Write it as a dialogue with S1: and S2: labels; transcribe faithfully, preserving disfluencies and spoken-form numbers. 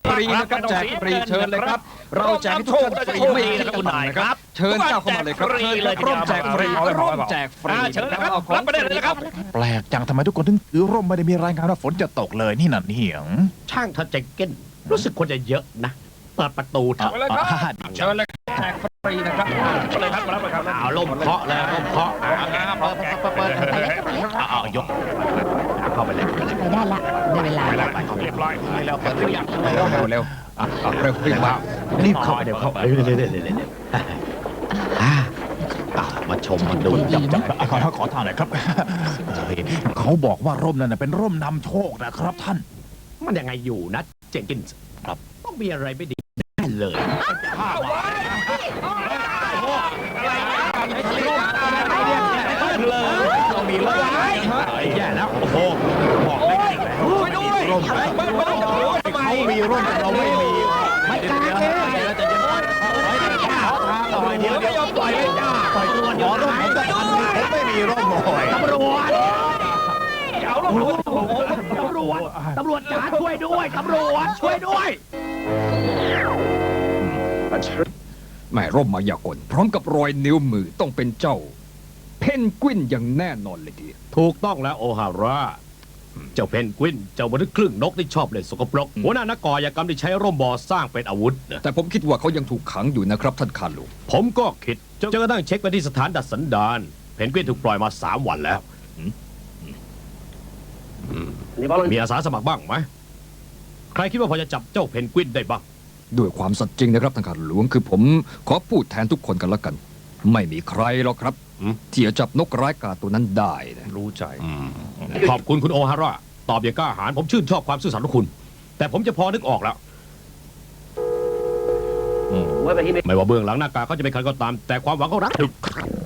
S1: ฟรีนะครับแจกฟรีเชิญเลยครับเราแจกทุกท่านฟรีไม่คิดตังค์นะครับเชิญเจ้าเข้ามาเลยครับเชิญครับร่วมแจกฟรีร่วมแจกฟรี
S2: เชิญนะครับ
S1: เอาของ
S2: รับไปได้เลยนะครับ
S3: แปลกจังทำไมทุกคนถึงถือร่มไม่ได้มีรายงานว่าฝนจะตกเลยนี่น่ะเหียง
S2: ช่างเธอใจเก้นรู้สึกคนจะเยอะนะเปิดประตูเถอะ
S3: อ่า
S1: เชิญเลยแจกฟรีนะครับ
S2: เลยครับรับเลยครับเอาลมเคาะเลยลมเคาะเปิดเปิดเปิดเปิดเอายกเข้าไปเลย
S4: ไปได้ละได้เวลา
S2: ไปแล้วไปเรียบร้อยไปแล้วเปิดตัวอย่าง
S1: เร็วเร็วเร็วอ่ะอ่ะเร็วรีบมา
S2: รีบเข้าเดี๋ยวเข้าเรื่อยๆเรื่อยๆเรื่อยๆมาชมมาดูจับจับ
S3: ขอขอทางหน่อยครับเฮ้ยเขาบอกว่าร่มนั่นนะเป็นร่มนำโชคนะครับท่าน
S2: มันยังไงอยู่นะเจนกินครับต้องมีอะไรไม่ดีแน่เลยเรามีร่มแย่แล้วโอ้โหบอกได้ไงช่วยด้วยร่มเขามีร่มแต่เราไม่มีไม่กล้าเลยแล้วจะยังไงปล่อยเดี๋ยวเดี๋ยวปล่อยเลยจ้าปล่อยตัวเดี๋ยวร่มผมจะทันผมไม่มีร่มหน่อยตำรวจเอาร่มตำรวจตำรวจจ๋าช่วยด้วยตำรวจช่วยด้วย
S1: แม่ร่มมายากลพร้อมกับรอยนิ้วมือต้องเป็นเจ้า เพนกวินอย่างแน่นอนเลยที
S2: ถูกต้องแล้วโอฮาร่าเจ้าเพนกวินเจ้ามนุษย์ครึ่งนกที่ชอบเล่นสกปรกหัวหน้านักก่อยากรรมที่ใช้ร่มบอสร้างเป็นอาวุธนะ
S1: แต่ผมคิดว่าเขายังถูกขังอยู่นะครับท่านคารุ
S2: ผมก็คิดจนกระทั่งเช็คไปที่สถานดัดสันดานเพนกวินถูกปล่อยมาสามวันแล้วมีอาสาสมัครบ้างไหมใครคิดว่าพอจะจับเจ้าเพนกวินได้บ้าง
S1: ด้วยความสัตย์จริงนะครับท่านคาหลวงคือผมขอพูดแทนทุกคนกันละกัน ไม่มีใครหรอกครับ
S2: อืม
S1: ที่จะจับนกร้ายกาจตัวนั้นได้นะ
S2: รู้ใจขอบคุณคุณโอฮาร่าตอบอย่างกล้าหาญผมชื่นชอบความซื่อสัตย์ของคุณ แต่ผมจะพอนึกออกแล้วไม่ว่าเบื้องหลังหน้ากากเขาจะเป็นใครก็ตาม แต่ความหวังเขารัก